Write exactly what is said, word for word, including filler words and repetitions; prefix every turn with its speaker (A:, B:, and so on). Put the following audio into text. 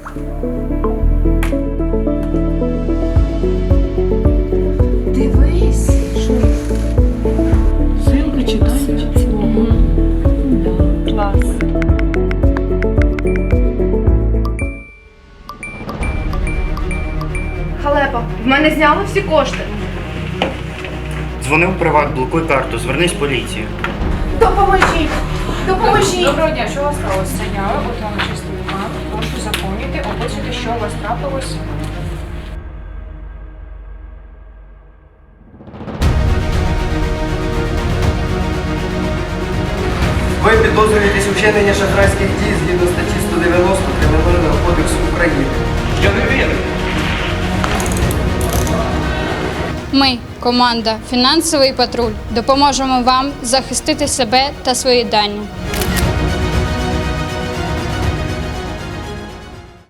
A: Дивись, що
B: Силка читають.
A: клас. Халепа, в мене зняли всі кошти.
C: Дзвони в приват, блокуй карту, звернись в поліцію.
A: Допоможіть! Допоможіть!
D: Доброго дня, що у вас сталося? Зайняли, от вам чистий документ. Прошу заповнити, описуйте, що у вас трапилось.
E: Ви підозрюєтесь у вчиненні шахрайських дій згідно статті сто дев'яносто Кримінального кодексу України.
C: Я не вірю.
F: Ми, команда «Фінансовий патруль», допоможемо вам захистити себе та свої дані.